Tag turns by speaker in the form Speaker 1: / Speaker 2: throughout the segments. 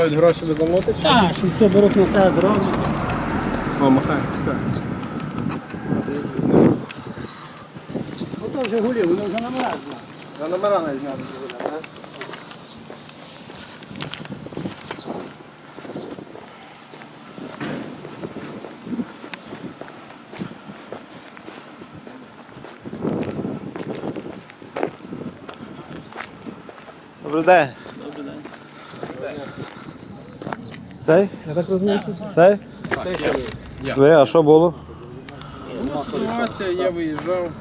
Speaker 1: дають гроші ви замовити?
Speaker 2: Так, що все беруть на те зроблять.
Speaker 1: О, махай, чекай.
Speaker 2: Ото вже гулі, вони вже номера знають.
Speaker 1: На номера навіть знати буде, так?
Speaker 3: Добрий день.
Speaker 2: Добрий день.
Speaker 3: Цей?
Speaker 1: Я так розумію, що
Speaker 3: Цей?
Speaker 4: Я.
Speaker 3: Ви, а що було?
Speaker 4: Ну, ситуація, я виїжджав.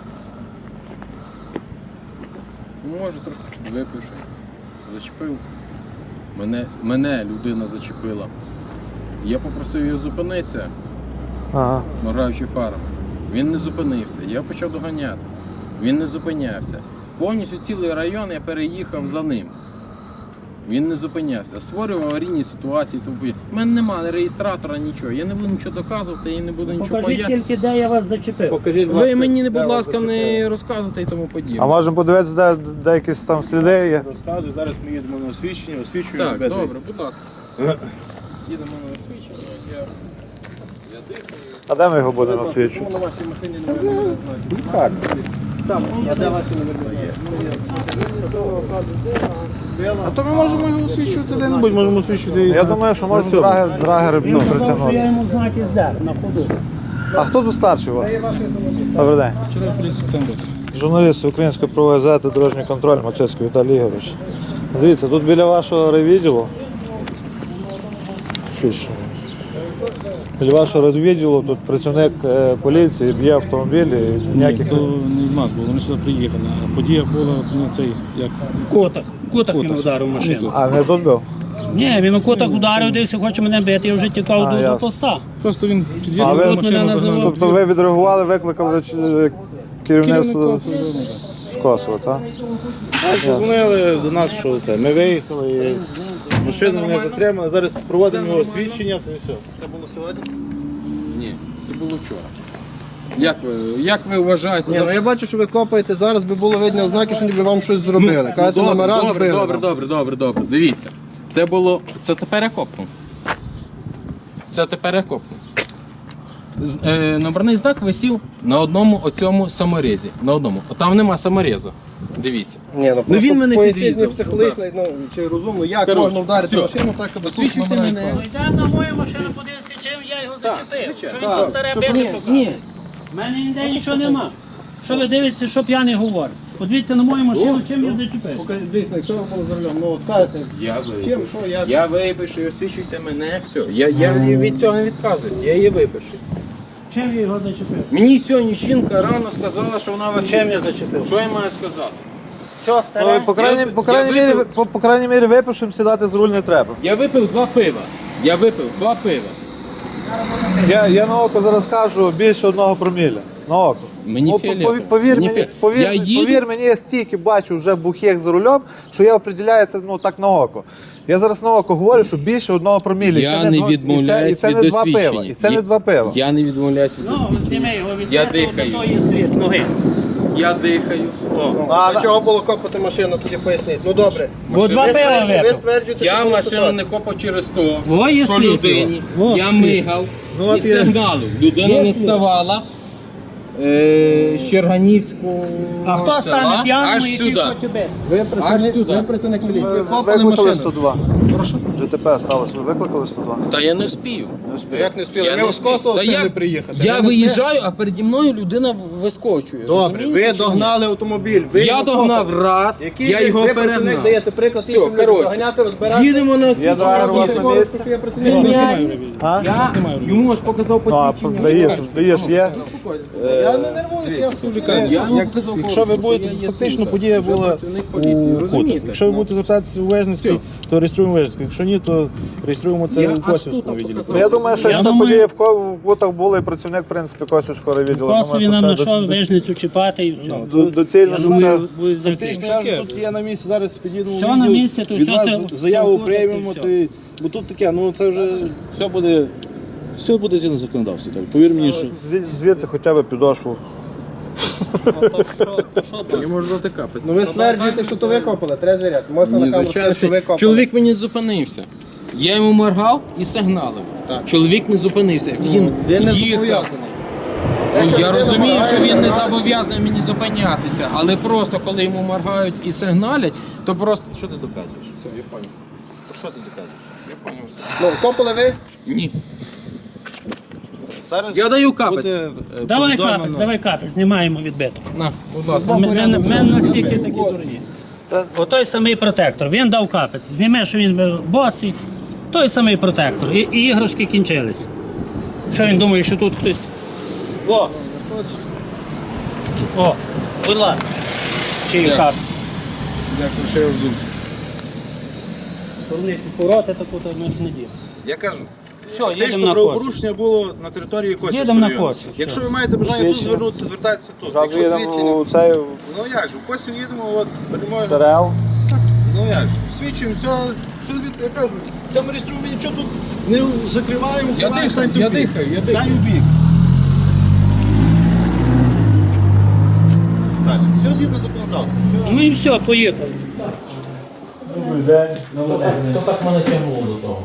Speaker 4: Може трошки випивши. Зачепив. Мене людина зачепила. Я попросив його зупинитися,
Speaker 3: Ага.
Speaker 4: моргаючи фарами. Він не зупинився. Я почав доганяти. Він не зупинявся. Повністю цілий район я переїхав за ним. Він не зупинявся. Створював аварійні ситуації. У мене немає реєстратора, нічого. Я не буду нічого доказувати, я не буду нічого
Speaker 2: Покажіть
Speaker 4: пояснювати.
Speaker 2: тільки, де я вас зачепив.
Speaker 1: покажіть, будь
Speaker 4: Ви
Speaker 1: ласка,
Speaker 4: мені,
Speaker 1: де
Speaker 4: будь
Speaker 1: вас
Speaker 4: ласка,
Speaker 1: зачепили.
Speaker 4: не розказуйте і тому подібне.
Speaker 3: А можемо подивитися, де якісь там сліди є?
Speaker 5: Розказую, зараз ми їдемо на освічення, освічуємо.
Speaker 4: Так,
Speaker 5: без-
Speaker 4: добре, будь ласка. Їдемо на освічення, я дихаю.
Speaker 3: А де ми його будемо освічувати?
Speaker 1: На вашій машині не знаю. Там, а де ваші номери є?
Speaker 5: А то ми можемо його освічувати де-небудь, можемо освічувати.
Speaker 3: Я думаю, що можна драгер
Speaker 2: Він казав, що я
Speaker 3: притягнути.
Speaker 2: йому знаки здер на ходу.
Speaker 3: А хто тут старший у вас? Добрий день.
Speaker 5: Вчора поліцію там буде.
Speaker 3: Журналіст Української правової газети «Дорожній контроль» Мацецький Віталій Ігорович. Дивіться, тут біля вашого райвідділу. Свідчення. Біля вашого райвідділу тут працівник поліції б'є автомобіль і
Speaker 5: Ні,
Speaker 3: ніяких...
Speaker 5: то не в нас було, вони сюди приїхали. А подія була, ну, цей, як...
Speaker 2: Котах. Котах він ударив машину.
Speaker 3: А, не тут був?
Speaker 2: Ні, він у котах ударив, дивився, хоче мене бити, я вже тікав
Speaker 3: А,
Speaker 2: до
Speaker 3: ясно.
Speaker 2: поста.
Speaker 5: Просто він
Speaker 3: А
Speaker 5: під'їхав
Speaker 3: ви-
Speaker 5: до
Speaker 2: Мене
Speaker 5: машину,
Speaker 2: називав.
Speaker 5: загнав.
Speaker 3: Тобто ви відреагували, викликали керівництво з Косово, так?
Speaker 5: Дзвонили до нас, що це, ми виїхали, і машину не затримали, зараз проводимо його освічення, то і все.
Speaker 1: Це було сьогодні?
Speaker 4: Ні, це було вчора. Як ви вважаєте?
Speaker 1: Ні, ну я бачу, що ви копаєте, зараз би було видно ознаки, що ніби вам щось зробили. Кажете, номера збили.
Speaker 4: Добре. Дивіться. Це тепер я копнув. Це тепер я копнув. Номерний знак висів на одному оцьому саморезі. На одному. Там нема саморезу. Дивіться.
Speaker 1: Ні,
Speaker 4: Ну, він мене
Speaker 1: поясніть
Speaker 4: підрізав.
Speaker 1: мені психологічно, ну, чи розумно, як
Speaker 4: Коротше,
Speaker 1: можна вдарити
Speaker 4: все.
Speaker 1: машину так, аби тут
Speaker 4: Освічуйте
Speaker 1: номера
Speaker 4: мене.
Speaker 1: впали.
Speaker 2: Йдемо на мою машину, подивися, чим я його зачепив. Що він що старе бити
Speaker 4: Ні,
Speaker 2: показує.
Speaker 4: ні.
Speaker 2: У мене ніде нічого нема. Що ви дивитеся, що п'яний говорить? Подивіться на мою машину, чим я зачепив.
Speaker 1: Покажіть, дійсно, якщо ви були за рулем, ну от кажете, чим, що, як?
Speaker 4: Я випишу, освічуйте мене, все. Я від цього не відказую, я її випишу.
Speaker 2: Чим я його зачепив?
Speaker 4: Мені сьогодні жінка рано сказала, що вона
Speaker 2: Чим я зачепив?
Speaker 4: Що я маю сказати?
Speaker 2: Все
Speaker 3: Ну,
Speaker 2: старе.
Speaker 3: по крайній мірі випишемо, сідати з руль не треба.
Speaker 4: Я випив 2 пива.
Speaker 3: Я на око зараз кажу більше 1 проміля. На око.
Speaker 4: Мені фіолетово.
Speaker 3: Повір
Speaker 4: Мені
Speaker 3: мені,
Speaker 4: фіолетово. Я їду-
Speaker 3: повір мені, я стільки бачу вже бухих за рулем, що я определяю це так на око. Я зараз на око говорю, що більше 1 проміля.
Speaker 4: Я не відмовляюсь від освічення.
Speaker 3: І це не 2 пива.
Speaker 4: Я не відмовляюсь від
Speaker 2: Ну, зніми його від
Speaker 4: Я
Speaker 2: метру,
Speaker 4: дихаю.
Speaker 2: до тої слід ноги.
Speaker 4: Я дихаю.
Speaker 1: Для чого було копати машину, тоді поясніть. Ну добре.
Speaker 2: Бо 2
Speaker 1: Ви
Speaker 2: пива
Speaker 1: стверджуєте, ви
Speaker 2: випив.
Speaker 1: стверджуєте,
Speaker 4: Я
Speaker 1: що була
Speaker 4: машину
Speaker 1: ситуація.
Speaker 4: не копав через то,
Speaker 2: Во, є
Speaker 4: що
Speaker 2: слід
Speaker 4: людині.
Speaker 2: його. Во,
Speaker 4: Я
Speaker 2: слід.
Speaker 4: мигав і сигналив. Людина
Speaker 2: Є
Speaker 4: не
Speaker 2: слід.
Speaker 4: вставала. З Черганівського
Speaker 2: А хто
Speaker 4: села
Speaker 2: стане п'яним,
Speaker 4: аж
Speaker 2: який
Speaker 4: сюди.
Speaker 2: хоче бити?
Speaker 1: Ви
Speaker 4: сюди.
Speaker 1: працівник міліції. Ви
Speaker 3: Ви
Speaker 1: копали
Speaker 3: викликали
Speaker 1: машину.
Speaker 3: 102.
Speaker 4: Прошу.
Speaker 3: ДТП сталося, ви викликали 102?
Speaker 4: Та я не вспію.
Speaker 1: Як не встигли?
Speaker 4: Я
Speaker 1: Ми
Speaker 4: не
Speaker 1: з Косово
Speaker 4: Та
Speaker 1: встигли
Speaker 4: я-
Speaker 1: приїхати.
Speaker 4: Я
Speaker 1: Ви не
Speaker 4: виїжджаю, а переді мною людина вискочує.
Speaker 1: Добре,
Speaker 4: Розумієте
Speaker 1: ви
Speaker 4: чи ні?
Speaker 1: догнали автомобіль. Ви
Speaker 4: Я
Speaker 1: його
Speaker 4: догнав
Speaker 1: копали.
Speaker 4: раз,
Speaker 1: Який
Speaker 4: я
Speaker 1: ви-
Speaker 4: його
Speaker 1: ви працівник
Speaker 4: перегнав.
Speaker 1: даєте приклад
Speaker 4: Все,
Speaker 1: іншим людям
Speaker 4: коротше.
Speaker 1: доганяти, розбирати.
Speaker 4: Їдемо на
Speaker 3: Я драгер у вас на місці.
Speaker 1: Я працівник.
Speaker 3: А?
Speaker 4: Я йому ж показав
Speaker 3: Ну, а
Speaker 4: посвідчення.
Speaker 3: даєш є?
Speaker 1: Я не нервуюся, я
Speaker 4: Я йому показав
Speaker 5: Якщо ви будете, фактично подія була
Speaker 4: працівник поліції,
Speaker 5: у
Speaker 4: розумієте?
Speaker 5: Кутах. Якщо ви будете звертатися у Вежницький, то реєструємо Вежницький. Якщо ні, то реєструємо це
Speaker 4: Я
Speaker 5: у
Speaker 4: аж
Speaker 5: Косівському
Speaker 4: тут
Speaker 5: відділі.
Speaker 4: показав.
Speaker 3: Я думаю, що
Speaker 2: Я
Speaker 3: якщо
Speaker 2: думаю-
Speaker 3: події в Кутах були, і працівник, в принципі, Косівського відділу.
Speaker 2: Косові нам знайшов вижницю чіпати і все.
Speaker 3: Доцільно,
Speaker 2: Я
Speaker 3: що
Speaker 2: думаю,
Speaker 3: це...
Speaker 2: буде
Speaker 5: Фактично, я ж тут є на місці, зараз під'їдемо
Speaker 2: Все
Speaker 5: в
Speaker 2: на
Speaker 5: відділ,
Speaker 2: місці, то
Speaker 5: від
Speaker 2: все
Speaker 5: вас
Speaker 2: це-
Speaker 5: заяву
Speaker 2: все
Speaker 5: приймемо,
Speaker 2: все.
Speaker 5: бо тут таке, ну це вже все буде згідно законодавства. Так. Повір мені, що
Speaker 3: Звірте хоча б підошву.
Speaker 4: Я можу затикати.
Speaker 1: Ну ви стверджуєте, що то ви копали, треба звіряти. Можна
Speaker 4: Ні,
Speaker 1: на камеру
Speaker 4: звичайно,
Speaker 1: сказати, що ви копали.
Speaker 4: чоловік мені зупинився. Я йому моргав і сигналив. Чоловік не зупинився. Він
Speaker 1: Він не
Speaker 4: їхав.
Speaker 1: зобов'язаний.
Speaker 4: Ну, я розумію, що він не зобов'язаний мені зупинятися, але просто коли йому моргають і сигналять, то просто.
Speaker 5: Що ти доказуєш?
Speaker 4: Все, я понял.
Speaker 5: Про що ти доказуєш?
Speaker 4: Я понял все.
Speaker 1: Ну, копали ви?
Speaker 4: Ні.
Speaker 5: Зараз
Speaker 4: Я даю капець.
Speaker 5: буде,
Speaker 2: Давай
Speaker 5: повідомлено-
Speaker 2: капець, давай капець, знімаємо відбиток.
Speaker 4: На, будь ласка.
Speaker 2: Ми настільки такі дурні. Отой самий протектор, він дав капець. Зніме, що він був босий, той самий протектор. І іграшки кінчились. Що він думає, що тут хтось. О, будь ласка. Чий
Speaker 4: Дякую.
Speaker 2: капець.
Speaker 4: Дякую, що я взувся.
Speaker 2: Вони ці пороти таку то ми не діємо.
Speaker 5: Я кажу,
Speaker 2: Все, їдемо
Speaker 5: фактично
Speaker 2: на Косів.
Speaker 5: правопорушення було на території Косівського
Speaker 2: Їдемо на
Speaker 5: району.
Speaker 2: Косів, все.
Speaker 5: Якщо ви маєте бажання тут звернутися, звертайтеся тут.
Speaker 3: Зразу
Speaker 5: Якщо
Speaker 3: їдемо у цей
Speaker 5: Ну як же, в Косів їдемо, от беремо.
Speaker 3: ЦРЛ.
Speaker 5: Ну як же, свідчуємо, все я кажу, це ми реєструємо, ми нічого тут не закриваємо,
Speaker 4: Я
Speaker 5: ховаємо,
Speaker 4: дихаю,
Speaker 5: стань
Speaker 4: я
Speaker 5: в бік.
Speaker 4: дихаю, я
Speaker 5: Стань
Speaker 4: дихаю.
Speaker 5: у бік. Так, все згідно законодавства. Все.
Speaker 2: Ну і все, поїхали.
Speaker 4: Хто так мене тягнув до того?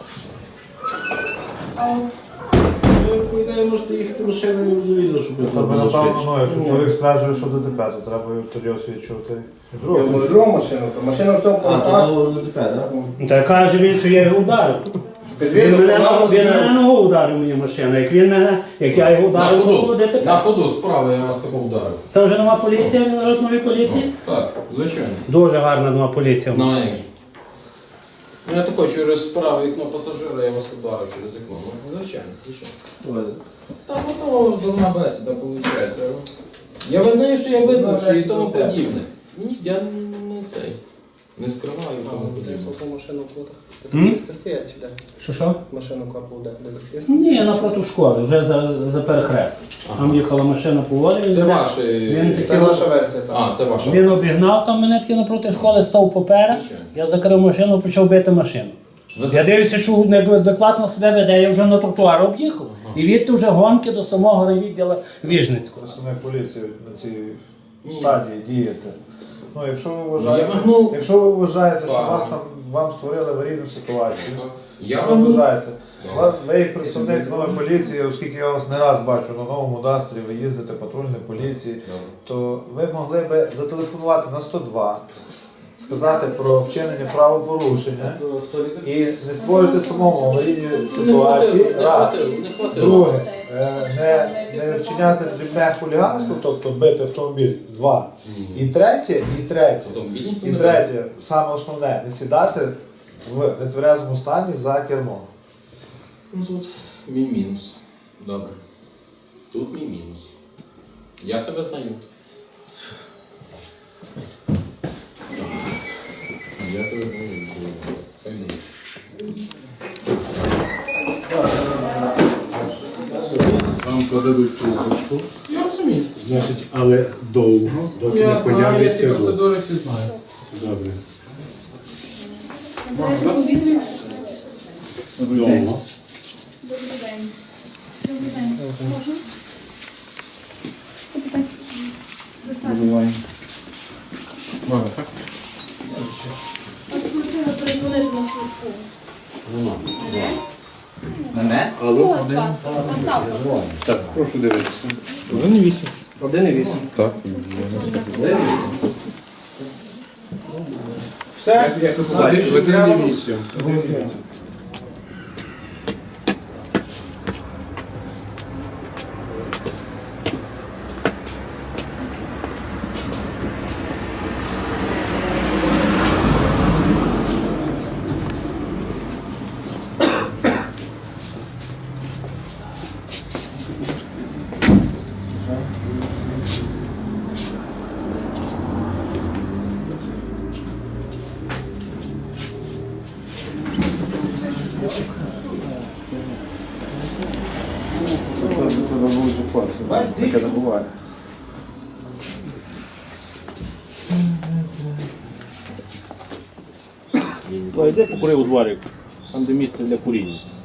Speaker 5: По ідеї можете їхати машиною вже відео, щоб я
Speaker 6: Тобто, напевно, ну, якщо чоловік стверджує, що ДТП, то треба тоді освідчувати.
Speaker 1: Другу машину, то машина все по акції.
Speaker 2: Та каже він, що я його ударив. Він мене ногу ударив мені машину. Як я його ударив, то було ДТП.
Speaker 4: На ходу справа я вас тако ударив.
Speaker 2: Це вже нова поліція, нової поліції?
Speaker 4: Так, звичайно.
Speaker 2: Дуже гарна нова поліція. в
Speaker 4: Ну,
Speaker 2: нас.
Speaker 4: як же. Ну, я тако через праве вікно пасажира, я вас ударив через вікно. Ну, звичайно, звичайно. Та готова дурна бесіда, виходить. Я визнаю, що я видно, і тому подібне. Мені я не цей. Не скриваю і тому подібне.
Speaker 7: Яку машину плутав? Де таксисти стоять чи де?
Speaker 2: Що?
Speaker 7: Машину копав де таксисти?
Speaker 2: Ні, напроти школи, вже за перехрест. Там їхала машина по волі.
Speaker 4: Це ваші.
Speaker 2: Він
Speaker 7: Це
Speaker 2: такий
Speaker 7: наша версія, так.
Speaker 4: А, це ваша.
Speaker 2: Він обігнав там мене таки напроти школи, став поперед.
Speaker 4: Звичайно.
Speaker 2: Я закрив машину, почав бити машину. Я дивлюся, що неадекватно себе веде, я вже на тротуар об'їхав. І відти вже гонки до самого райвідділу Віжницького.
Speaker 6: Представник поліції на цій стадії діяти. Ну, якщо ви
Speaker 4: Я
Speaker 6: вважаєте,
Speaker 4: махнув.
Speaker 6: якщо ви вважаєте, що
Speaker 4: Фаром.
Speaker 6: вам створили аварійну ситуацію,
Speaker 4: Я
Speaker 6: ви
Speaker 4: махнув.
Speaker 6: вважаєте, ви як представник нової поліції, оскільки я вас не раз бачу на новому Дастрі, ви їздите патрульної поліції, то ви могли би зателефонувати на 102, сказати про вчинення правопорушення і не створювати самому аварійні ситуації. Раз.
Speaker 4: Не хватило.
Speaker 6: Друге, не вчиняти дрібне хуліганство, тобто бити автомобіль. Два. І третє,
Speaker 4: Автомобіль ніхто
Speaker 6: і
Speaker 4: не
Speaker 6: третє, саме основне, не сідати в нетверезому стані за кермо.
Speaker 4: Ну тут мій мінус. Добре. Тут мій мінус. Я це визнаю. Я це визнаю. Хай буде.
Speaker 8: Вам подадуть трубочку,
Speaker 4: Я розумію.
Speaker 8: значить, але довго, доки не
Speaker 4: Я знаю, я ці
Speaker 8: появиться звук.
Speaker 4: процедури всі знаю.
Speaker 8: Добре.
Speaker 9: Добрий день.
Speaker 8: Довго.
Speaker 9: Добрий день. Добрий день. Можна? Запитайте. Достатньо.
Speaker 4: Можна, так?
Speaker 9: Вас просили передзвонити на швидку.
Speaker 8: Алло?
Speaker 9: Хто з вас? Остап просив.
Speaker 8: Так, прошу дивитися.
Speaker 1: 1,8.
Speaker 8: Так.
Speaker 1: Все?
Speaker 8: Години 8.
Speaker 3: Таке не буває.
Speaker 5: Йди покури у дворик, там де місце для куріння.